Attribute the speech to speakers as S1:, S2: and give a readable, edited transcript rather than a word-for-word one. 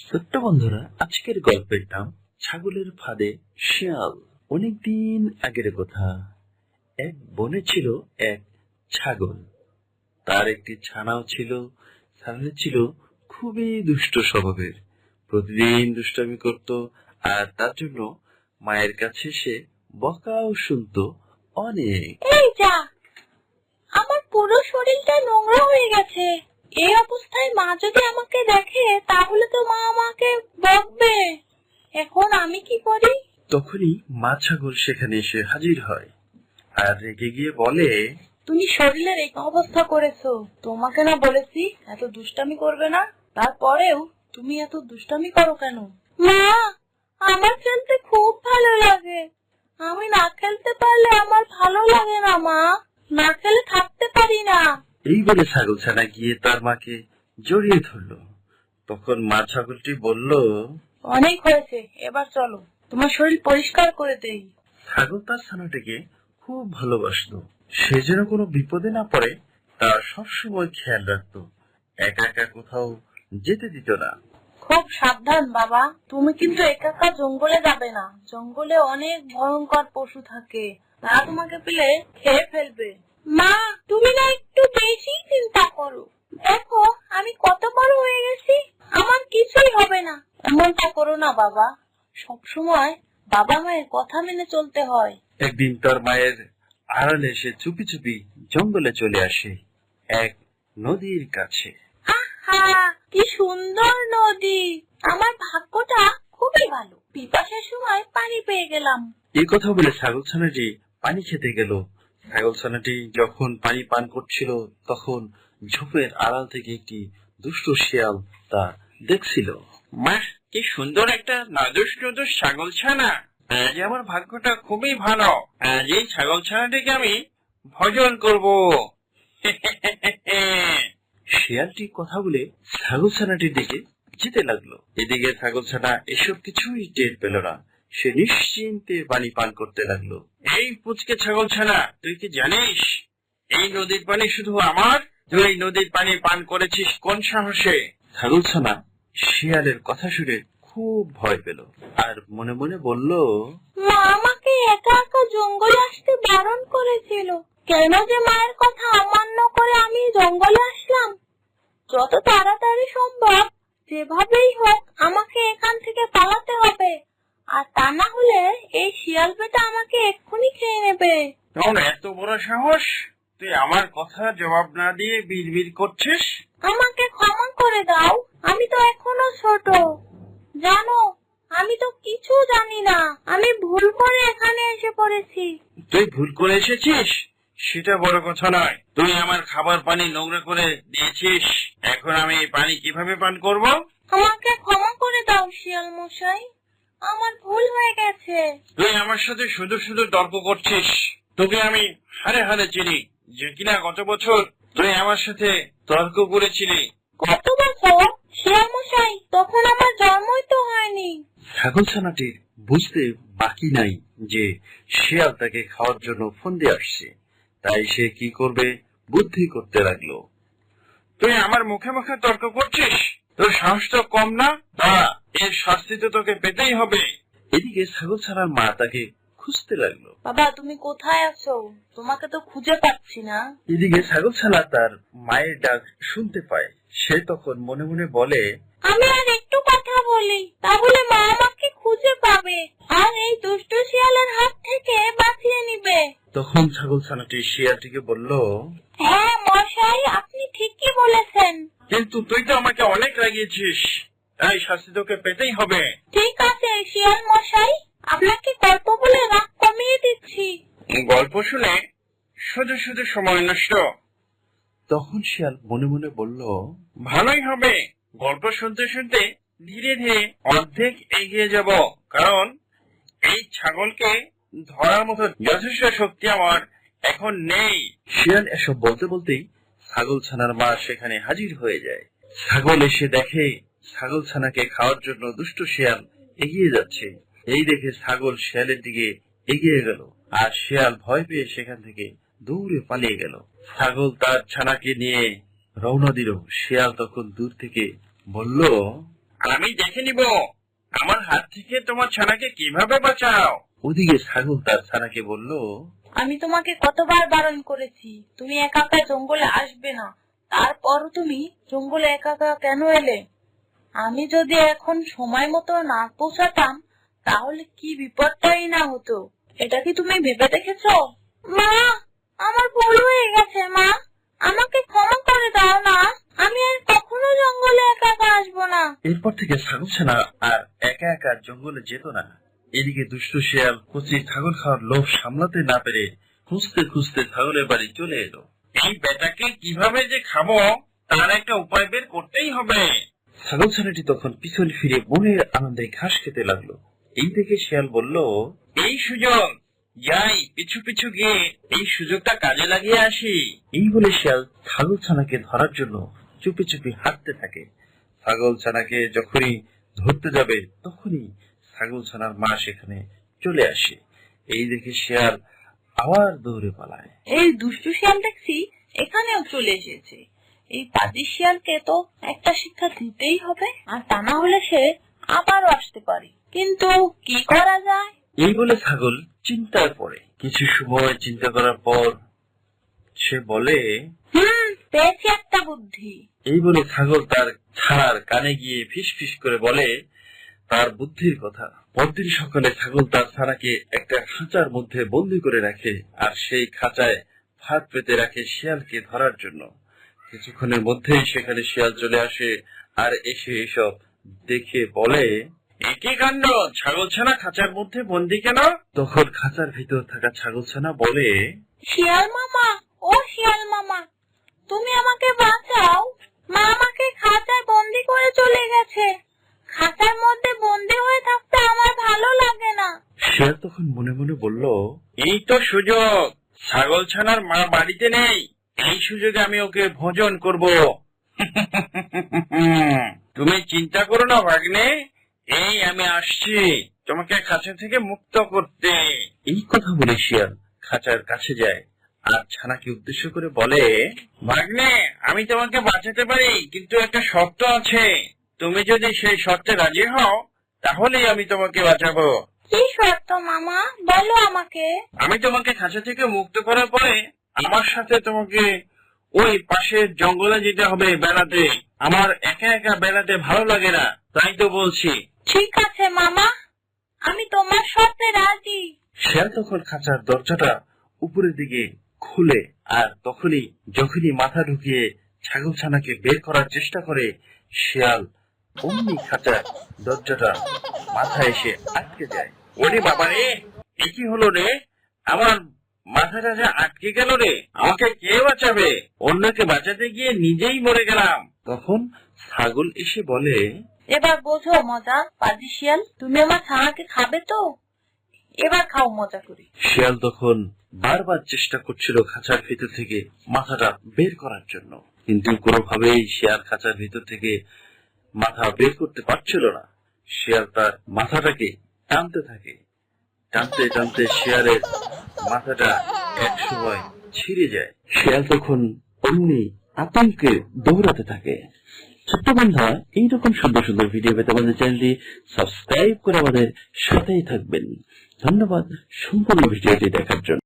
S1: ছোট্ট বন্ধুরা, আজকের গল্পের নাম ছাগলের ফাঁদে শিয়াল। অনেকদিন আগের কথা। এক বনে ছিল এক ছাগল। তার একটি ছানাও ছিল। ছানাটি ছিল খুবই দুষ্ট স্বভাবের। প্রতিদিন দুষ্টামি করত, আর তার জন্য মায়ের কাছে সে বকাও শুনতো অনেক।
S2: এই যা, আমার পুরো শরীরটা নোংরা হয়ে গেছে। এই অবস্থায় মা যদি আমাকে দেখে তাহলে তো মা আমাকে বকবে। এখন আমি কি করি?
S1: তখনই মা ছাগল সেখানে এসে হাজির হয় আর রেগে গিয়ে বলে,
S2: তুমি শরীরের এই অবস্থা করেছো, তোমাকে না বলেছি এত দুষ্টামি করবে না? তারপরেও তুমি এত দুষ্টামি করো কেন? মা, আমার খেলতে খুব ভালো লাগে। আমি না খেলতে পারলে আমার ভালো লাগে না মা। না খেলে থাকতে পারি না।
S1: এই বলে ছাগল ছানা গিয়ে তার মাকে জড়িয়ে ধরলো। তখন মা ছাগলটি বলল,
S2: অনেক হয়েছে, এবার চলো তোমার শরীর পরিষ্কার করে দেই।
S1: ছাগল তার ছানাটিকে খুব ভালোবাসতো। সে যেন কোনো বিপদে না পড়ে তার সবসময় খেয়াল রাখতো। একা একা কোথাও যেতে দিত না।
S2: খুব সাবধান বাবা, তুমি কিন্তু একা একা জঙ্গলে যাবে না। জঙ্গলে অনেক ভয়ঙ্কর পশু থাকে, তারা তোমাকে পেলে খেয়ে ফেলবে। মা, তুমি না একটু বেশি চিন্তা করো। দেখো আমি কত বড় হয়ে গেছি, আমার কিছুই হবে না। এমনটা করো না বাবা, সবসময় বাবা মায়ের কথা মেনে চলতে হয়।
S1: একদিন তার মায়ের আড়ালে সে চুপি চুপি জঙ্গলে চলে আসে এক নদীর কাছে।
S2: আহা, কি সুন্দর নদী! আমার ভাগ্যটা খুবই ভালো, পিপাসার সময় পানি পেয়ে গেলাম।
S1: এই কথা বলে ছাগল ছানাটি পানি খেতে গেল। ছাগল ছানাটি যখন পানি পান করছিল, তখন ঝোপের আড়াল থেকে একটি দুষ্ট শিয়াল তা দেখছিল। মা, কি সুন্দর একটা নাদুস নুদুস ছাগল ছানা! আজ আমার ভাগ্যটা খুবই ভালো। আজ এই ছাগল ছানাটিকে আমি ভোজন করব। শিয়ালটি কথা বলে ছাগল ছানাটির দিকে যেতে লাগলো। এদিকে ছাগল ছানা এসব কিছুই টের পেল না। সে নিশ্চিন্তে পানি পান করতে লাগলো। এই পুচকে ছাগল ছানা, তুই কি জানিস এই নদীর পানি শুধু আমার? তুই এই নদীর পানি পান করেছিস কোন সাহসে? ছাগল ছানা শিয়ালের কথা শুনে খুব ভয় পেল আর মনে মনে বলল,
S2: মা আমাকে একা একা জঙ্গলে আসতে বারণ করেছিল, কেন যে মায়ের কথা অমান্য করে আমি জঙ্গলে আসলাম। যত তাড়াতাড়ি সম্ভব যেভাবেই হোক আমাকে এখান থেকে পালাতে হবে, আর তা না হলে এই শিয়াল বেটা আমাকে এক্ষুনি খেয়ে নেবে।
S1: তোর এত বড় সাহস, তুই আমার কথা জবাব না দিয়ে বিড়বিড় করছিস?
S2: আমাকে ক্ষমা করে দাও, আমি তো এখনো ছোট। জানো, আমি তো কিছু জানি না, আমি ভুল করে এখানে এসে পড়েছি।
S1: তুই ভুল করে এসেছিস সেটা বড় কথা নয়, তুই আমার খাবার পানি নোংরা করে দিয়েছিস। এখন আমি এই পানি কিভাবে পান করব?
S2: আমাকে ক্ষমা করে দাও শিয়াল মশাই, আমার ভুল হয়ে গেছে।
S1: তুই আমার সাথে শুধু শুধু তর্ক করছিস। তোকে আমি হারে হারে চিনি, যে কিনা গত বছর তুই আমার সাথে তর্ক করেছিলি।
S2: কত বছর? শিয়াল মশাই, তখন আমার জন্মই তো হয়নি।
S1: ছাগল ছানাটির বুঝতে বাকি নাই যে শিয়াল তাকে খাওয়ার জন্য ফোন দিয়ে আসছে। তাই সে কি করবে বুদ্ধি করতে লাগলো। তুই আমার মুখে মুখে তর্ক করছিস? তোর সাহস তো কম না? দাঁড়া, এর শাস্তি তো তোকে পেতেই হবে। এদিকে ছাগল ছানার মা তাকে খুঁজতে লাগলো।
S2: বাবা, তুমি কোথায় আছো? তোমাকে তো খুঁজে পাচ্ছি না।
S1: এদিকে ছাগল ছানা তার মায়ের ডাক শুনতে পায়। সে তখন মনে মনে বলে,
S2: আমি আর একটু কথা বলি, তাহলে মা আমাকে খুঁজে পাবে আর এই দুষ্ট শিয়ালের হাত থেকে বাঁচিয়ে নিবে।
S1: তখন ছাগল ছানাটি শিয়ালটিকে বলল,
S2: হ্যাঁ মশাই, আপনি ঠিকই বলেছেন।
S1: কিন্তু তুই তো আমাকে অনেক রাগিয়েছিস, তাই শাস্তি তোকে পেতেই হবে।
S2: ঠিক আছে শিয়াল মশাই, আপনাকে গল্প বলে রাগ কমিয়ে দিচ্ছি।
S1: গল্প শুনে শুধু শুধু সময় নষ্ট। তখন শিয়াল মনে মনে বলল, ভালোই হবে, গল্প শুনতে শুনতে ধীরে ধীরে অর্ধেক এগিয়ে যাব, কারণ এই ছাগলকে ধরার মতো যথেষ্ট শক্তি আমার এখন নেই। শিয়াল এসব বলতে বলতেই ছাগল ছানার মা সেখানে হাজির হয়ে যায়। ছাগল এসে দেখে ছাগল ছানাকে খাওয়ার জন্য দুষ্ট শিয়াল এগিয়ে যাচ্ছে। এই দেখে ছাগল শিয়ালের দিকে এগিয়ে গেল, আর শিয়াল ভয় পেয়ে সেখান থেকে দৌড়ে পালিয়ে গেল। ছাগল তার ছানাকে নিয়ে রওনা দিল। শিয়াল তখন দূর থেকে বলল, আমি দেখে নিব আমার হাত থেকে তোমার ছানাকে কিভাবে বাঁচাও। ওদিকে ছাগল তার ছানাকে বলল,
S2: আমি তোমাকে কতবার বারণ করেছি তুমি একা একা জঙ্গলে আসবে না, তারপরও তুমি জঙ্গলে একা একা কেন এলে? আমি যদি এখন সময় মতো না পৌঁছাতাম তাহলে কি বিপদটাই না হতো, এটা কি তুমি ভেবে দেখেছো? মা, আমার ভুল হয়ে গেছে মা, আমাকে ক্ষমা করে দাও না, আমি আর কখনো জঙ্গলে একা একা আসবো না।
S1: এরপর থেকে ছাগল ছানা আর একা একা জঙ্গলে যেত না। এদিকে দুষ্টু শিয়াল কচি ছাগল খাওয়ার লোভ সামলাতে না পেরে খুঁজতে খুঁজতে ছাগলের বাড়ি চলে এলো। এই বেটাকে কিভাবে যে খাবো তার একটা উপায় বের করতেই হবে। ছাগল ছানাটি তখন পিছন ফিরে মনের আনন্দে ঘাস খেতে লাগলো। এই দেখে শিয়াল বলল, এই সুযোগ, যাই পিছু পিছু গিয়ে এই সুযোগটা কাজে লাগিয়ে আসি। এই বলে শিয়াল ছাগল ছানাকে ধরার জন্য চুপি চুপি হাঁটতে থাকে। ছাগল ছানাকে যখনই ধরতে যাবে তখনই ছাগল ছানার মা সেখানে চলে আসে। এই দেখে শিয়াল আবার দৌড়ে পালায়।
S2: এই দুষ্টু শিয়াল দেখছি এখানেও চলে এসেছে, এই পাজি শিয়ালকে তো একটা শিক্ষা দিতেই হবে, আর তা না হলে সে আবারও আসতে পারে, কিন্তু কি করা যায়?
S1: এই বলে ছাগল চিন্তায় পড়ে। কিছু সময় চিন্তা করার পর সে বলে,
S2: পেয়েছি একটা বুদ্ধি।
S1: এই বলে ছাগল তার ছাড়ার কানে গিয়ে ফিস ফিস করে বলে তার বুদ্ধির কথা। পরদিন সকালে ছাগল তার ছানাকে একটা খাঁচার মধ্যে বন্দি করে রাখে, আর সেই খাঁচায় ফাঁদ পেতে রাখে শিয়ালকে ধরার জন্য। কিছুক্ষণের মধ্যেই সেখানে শিয়াল চলে আসে, আর এসে এসব দেখে বলে, একই কাণ্ড, ছাগল ছানা খাঁচার মধ্যে বন্দি কেন? তখন খাঁচার ভিতর থাকা ছাগল ছানা বলে,
S2: শিয়াল মামা, ও শিয়াল মামা, তুমি আমাকে বাঁচাও, মা আমাকে খাঁচায় বন্দি করে চলে গেছে, খাঁচার মধ্যে বন্দি হয়ে থাকতে আমার ভালো লাগে না।
S1: শিয়াল তখন মনে মনে বলল, এই তো সুযোগ, ছাগল ছানার মা বাড়িতে নেই, এই সুযোগে আমি ওকে ভোজন করব। তুমি চিন্তা করো না ভাগ্নে, এই আমি আসছি তোমাকে খাঁচা থেকে মুক্ত করতে। এই কথা বলে শিয়াল খাঁচার কাছে যায় আর ছানাকে উদ্দেশ্য করে বলে, ভাগ্নে, আমি তোমাকে বাঁচাতে পারি, কিন্তু একটা শর্ত আছে, তুমি যদি সেই শর্তে রাজি হও তাহলেই আমি তোমাকে বাঁচাবো।
S2: কি শর্ত মামা, বলো আমাকে।
S1: আমি তোমাকে খাঁচা থেকে মুক্ত করার পরে আমার সাথে তোমাকে ওই পাশের জঙ্গলে যেতে হবে বেড়াতে। আমার একা একা বেড়াতে ভালো লাগে না, তাই তো বলছি।
S2: ঠিক আছে মামা, আমি তোমার সাথে রাজি।
S1: শিয়াল তখন খাঁচার দরজাটা উপরের দিকে খুলে, আর যখনই মাথা ঢুকিয়ে ছাগল ছানাকে বের করার চেষ্টা করে, শিয়াল অমনি খাঁচার দরজাটা মাথায় এসে আটকে যায়। ওরে বাবা রে, এ কি হলো রে, আমার মাথাটা যে আটকে গেল রে, আমাকে কে বাঁচাবে? অন্যকে বাঁচাতে গিয়ে নিজেই মরে গেলাম। তখন ছাগল এসে বলে,
S2: এবার বোঝো মজা, পাজি শিয়াল, তুমি আমার ছানাকে খাবে তো? এবার খাও মজা করে।
S1: শিয়াল তখন বারবার চেষ্টা করছিল খাঁচার ভিতর থেকে মাথাটা বের করার জন্য, কিন্তু কোনোভাবেই শিয়াল খাঁচার ভিতর থেকে মাথা বের করতে পারছিল না। শিয়াল তার মাথাটাকে টানতে থাকে, টানতে টানতে শিয়ালের মাথাটা এক সময় ছিঁড়ে যায়। শিয়াল তখন অমনি আতঙ্কে দৌড়াতে থাকে। ছোট্ট বন্ধুরা, এইরকম সুন্দর সুন্দর ভিডিও পেতে আমাদের চ্যানেলটি সাবস্ক্রাইব করে আমাদের সাথেই থাকবেন। ধন্যবাদ সম্পূর্ণ ভিডিওটি দেখার জন্য।